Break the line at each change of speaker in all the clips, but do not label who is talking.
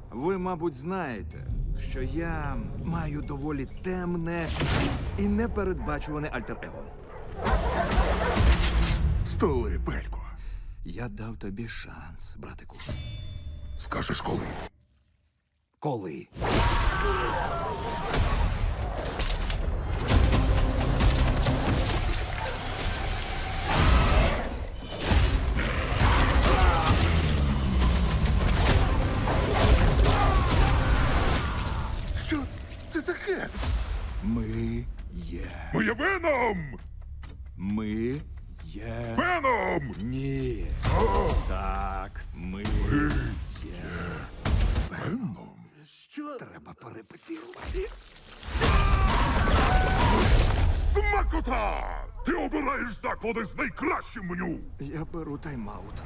Ви, мабуть, знаєте, що я маю доволі темне і непередбачуване альтер-его.
Столи, Пелько.
Я дав тобі шанс, братику.
Скажеш коли?
Коли?
Що це таке?
Ми є.
Моє Веном!
Ми є.
Веном!
Ні. Так, ми є.
Веном? Що?
Треба перепетирувати.
Смакота! Ти обираєш заклади з найкращим меню!
Я беру тайм-аут.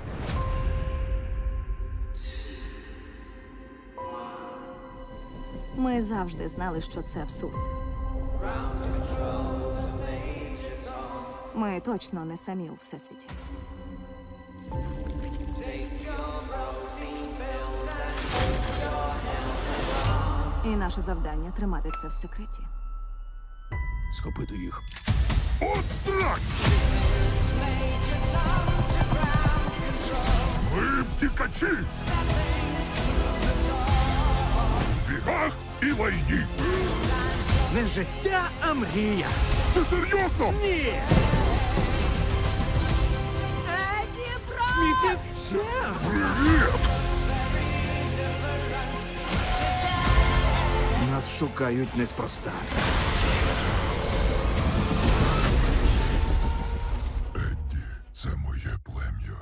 Ми завжди знали, що це абсурд. Ми точно не самі у всесвіті. І наше завдання тримати це в секреті.
Схопити їх.
От так! Ми втікачі! В бігах і лайні!
Не життя, а мрія.
Ти серйозно?
Ні!
Еді Бро!
Місіс Чемс!
Привіт!
Нас шукають неспроста.
Едді, це моє плем'я.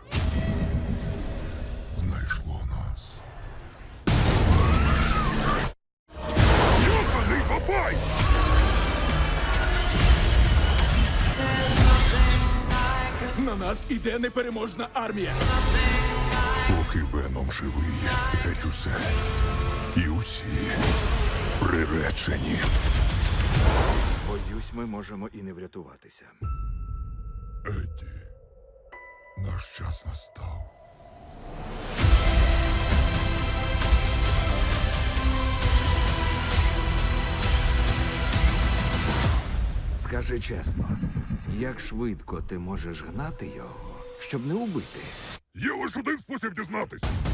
Знайшло нас. Йоханий бабай!
На нас іде непереможна армія.
Поки Веном живий, геть усе. І усі приречені.
Боюсь, ми можемо і не врятуватися.
Едді, наш час настав.
Скажи чесно, як швидко ти можеш гнати його, щоб не убити?
Є лише один спосіб дізнатись.